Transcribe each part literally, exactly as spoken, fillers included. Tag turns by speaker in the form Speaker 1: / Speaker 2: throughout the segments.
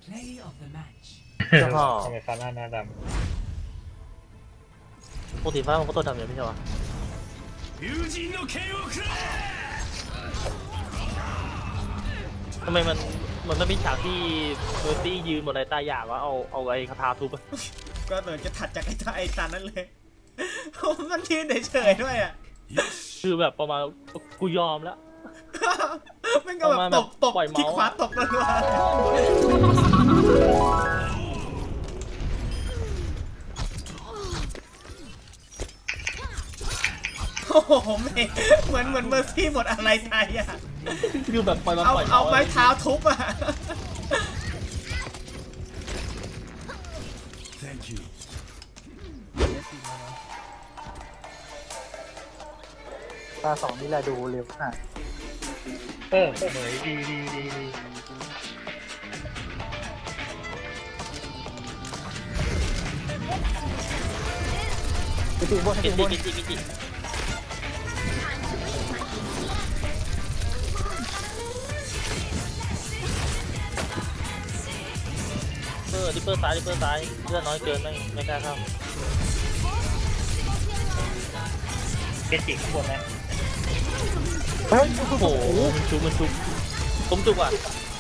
Speaker 1: Play of the match.
Speaker 2: เจ้าพ่อ
Speaker 3: ทำไมฟ้าหน้าหน้าด
Speaker 2: ปกติฟ้ามันก็ตัวดำอยู่ไม่ใช่ปะ
Speaker 1: 友人の剣をくれ。
Speaker 2: ทำไมมันมันไม่มีฉากที่เมอร์ซี่ยืนบนไอ้ตาหยาบวะเอาเอาไอ้คาถาทุบอะ
Speaker 4: ก็เหมือนจะถัดจากไอ้ตาไอ้ตานั้นเลยมันยืนเฉยๆด้วยอ่ะ
Speaker 2: คือแบบประมาณกูยอมแล้ว
Speaker 4: มันก็แบบตบตบ
Speaker 2: ปล่อยเมาส์
Speaker 4: ที่ขวาตบรัวๆโอ้โหไม่เหมือนเหมือนเมอร์ซี่หมดอะไรไทยอ่ะ
Speaker 2: คือแบบปล่อยมา
Speaker 4: เอา
Speaker 2: ปล่อย
Speaker 4: เอา
Speaker 2: มา
Speaker 4: ไม้เท้าทุบอ่ะ
Speaker 1: Thank you.
Speaker 5: ตาสองนี่แหละดูเร็วขนาด
Speaker 3: ำเออเหมยดีดีดีดี
Speaker 5: จริงๆบนจ
Speaker 2: กิ
Speaker 5: ริ
Speaker 2: น
Speaker 5: งๆบ
Speaker 2: จิ
Speaker 5: น
Speaker 2: กินจิกินจิเออดิปเปอร์ซ้ายดิปเปอร์ซ้ายเลือดน้อยเกินไม่ไม่กล้าเข้า
Speaker 3: เกจิข้างบนนะ
Speaker 5: เฮ้ย
Speaker 2: โอ้โหมันชุบมันชุบผมจุกอ่ะ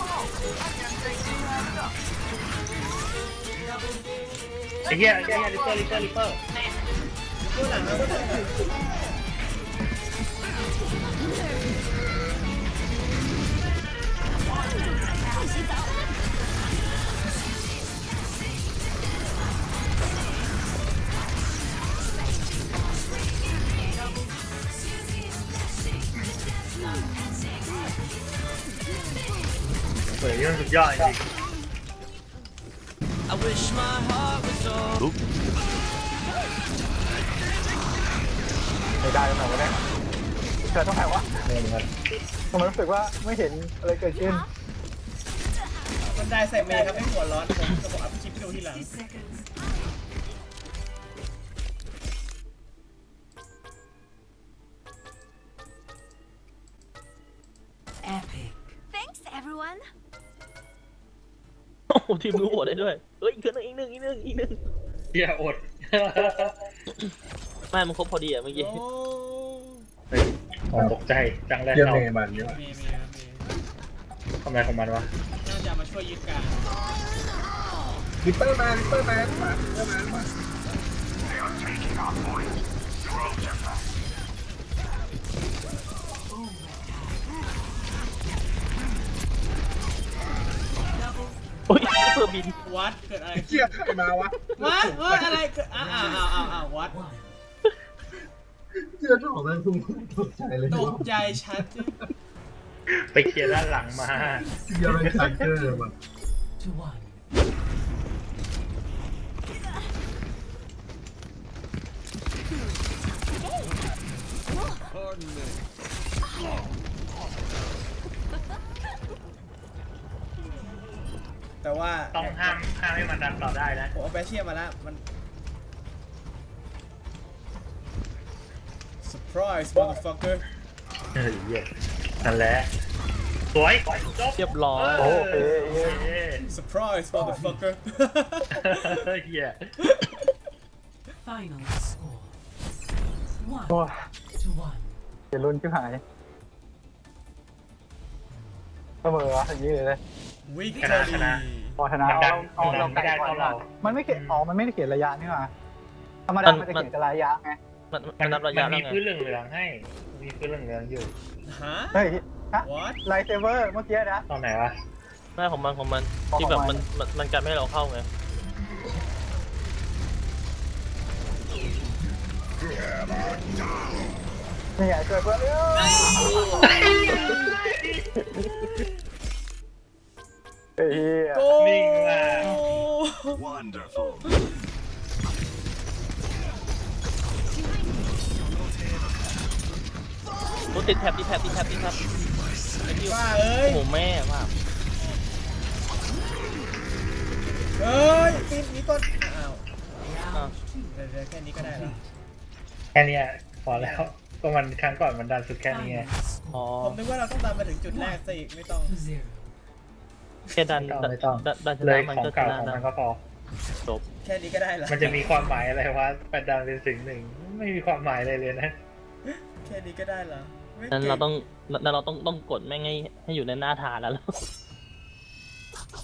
Speaker 3: ไอ้เหี้ยไอ้เหี้ยลิปเปอร์ลิปเปอร์ลิปเปอร์
Speaker 4: ดูหนังแล้วก็เถอะ
Speaker 3: เหมยนี่มันสุดยอดจริง
Speaker 1: I wish my heart was so.
Speaker 5: ไม่ได้ตรงไหนวะเนี่ยเกิดตรงไหนวะ
Speaker 3: ๆเหมือนกัน
Speaker 5: ทำไมรู้สึกว่าไม่เห็นอะไรเกิดขึ้น
Speaker 4: มันได้ใส่เมย์ครับไม่หัวร้อนผมจะบอกอัพคลิปให้ดูทีหลัง
Speaker 1: seconds. Epic.
Speaker 6: Thanks, everyone.
Speaker 2: โอ้โหทีมรู้หัวได้ด้วยเฮ้ยอีกหนึ่งอีกหนึ่งอีกหนึ่งอีกหนึ่ง
Speaker 3: เหี้ยอด
Speaker 2: ไม่มันครบพอดีอ่ะเมื่อกี้
Speaker 4: โอ้
Speaker 3: เฮ้ยอ๋อตกใจจังเลย
Speaker 7: เยี่ยม
Speaker 3: เรา
Speaker 7: เมย์มันเยอะ
Speaker 4: เมย์เมย์ครับเมย์
Speaker 3: ทำอะไรของมันวะ
Speaker 4: น่าจะมาช่วยยึดการ
Speaker 7: ลิปเปอร์มาลิปเปอร์มามาลิปเปอร์มามา
Speaker 2: โอ้ยเพื่อบิน
Speaker 4: วัดเกิดอะไร
Speaker 7: เกียใครมาวะ
Speaker 4: วัดวัดอะไรเกิดอ้าวอ้าวอ้าวอ้าวอ้าววัด
Speaker 1: One.
Speaker 7: เกียเจ้าของมันทุ่งตกใจเลย
Speaker 4: ตกใจชัด
Speaker 3: ไปเคลียร์ด้านหลังมา
Speaker 7: เกียเป็นซักเกอร์ว่ะ
Speaker 1: To one.
Speaker 4: แต่ว่า
Speaker 3: ต้องห้ามห้ามให้มันดันต่อได้นะ
Speaker 4: ผมเอาแบชเชียมาแล้วมัน surprise motherfucker
Speaker 3: เฮ้ยเหี้ยนั่นแหละสวยจบ
Speaker 2: เรียบร้อย
Speaker 3: โอเค
Speaker 4: surprise motherfucker
Speaker 3: เฮีย
Speaker 1: Final score.
Speaker 5: โอ้
Speaker 1: One
Speaker 5: ย
Speaker 1: to one.
Speaker 5: เดี๋ยวลุ้นชิบหายเสมอวะอย่างนี้เลยเลย
Speaker 4: victory
Speaker 5: พอชนะ
Speaker 3: มันดั
Speaker 5: เอา
Speaker 3: น
Speaker 5: เอา
Speaker 3: มันดั
Speaker 5: เรา
Speaker 3: น
Speaker 5: ไกล
Speaker 3: ไม่ได้
Speaker 5: ก่อน
Speaker 3: เท่าเรา
Speaker 5: มันไม่เขียนอ๋อมันไม่ได้เขียนระยะนี่หว่าธรรมดามันจะเขียนแต่ระยะไง
Speaker 2: มันมั
Speaker 3: มัน น
Speaker 2: นับระยะ
Speaker 3: มัน
Speaker 2: แล้ว
Speaker 3: มี
Speaker 2: ไง
Speaker 3: พื้นเหลืองๆให้ มีพื้นเหลืองๆอยู่
Speaker 4: ฮะ
Speaker 5: เฮ้ยฮะ
Speaker 4: what
Speaker 5: ไลท์เซเวอร์เมื่อกี้นะ
Speaker 3: ตอนไหนวะ
Speaker 2: ไม่ของมันของมัน
Speaker 5: ของ
Speaker 2: ที่แบบ
Speaker 5: มั
Speaker 2: มัน
Speaker 5: น
Speaker 2: มันมันกันไม่ให้เราเข้าไง
Speaker 5: นี่ไงช่วยเพื่อนเอ้ยเฮ้ย
Speaker 4: โก
Speaker 3: นิ่งมาก
Speaker 1: Wonderful.
Speaker 2: โอ้ติดแท็บติดแท็บติดแท็บติดแท็บไอ้ที่
Speaker 4: ว่าเอ้ย
Speaker 2: โอ้โหแม่มาก
Speaker 4: เอ้ยปีนนี้ก่อนอ้าว
Speaker 2: อ่ะ
Speaker 4: เดี๋ยวๆแค่นี้ก็ได้แล้ว
Speaker 3: แค่เนี้ยพอแล้ว ก็มันครั้งก่อนมันดันสุดแค่นี้ไง
Speaker 1: Final
Speaker 2: อ๋อ
Speaker 1: score.
Speaker 4: ผมนึกว่าเราต้องตามมาถึงจุดแรกซะอีกไม่ต้อง
Speaker 1: To zero.
Speaker 2: แค่ดัน
Speaker 3: ไม่ต้อง
Speaker 2: ดันดันช
Speaker 3: เล
Speaker 2: นะ
Speaker 3: ย
Speaker 2: มัน
Speaker 3: ของ
Speaker 2: ก็ช
Speaker 3: เก่า
Speaker 2: นะ
Speaker 3: ของ
Speaker 2: นะ
Speaker 3: มันก็พอ
Speaker 2: จบ
Speaker 4: แค่นี้ก็ได้เหรอ
Speaker 3: มันจะมีความหมายอะไรวะแปดดาวเป็นสิ่งหนึ่งไม่มีความหมายอะไรเลยนะ
Speaker 4: แค่นี้ก็ได้เหรอไม่
Speaker 2: นั้น
Speaker 4: ก่
Speaker 2: เราต้องนั้นเราต้องต้องกดแม่งให้ให้อยู่ในหน้าฐานแล้ว
Speaker 3: โอ้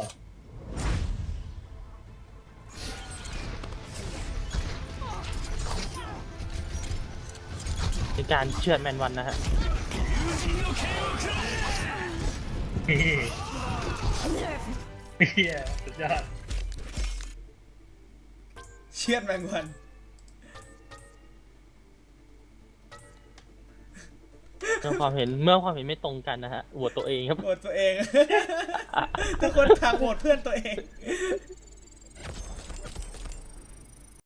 Speaker 2: เป็นการเชือดแมนวันนะฮะ
Speaker 3: เฮียสุดยอด
Speaker 4: เชือดแมงวัน
Speaker 2: เมื่อความเห็นเมื่อความเห็นไม่ตรงกันนะฮะโหวตตัวเองครับ
Speaker 4: โหวตตัวเอง ทุกคนทางโหวตเพื่อนตัวเอง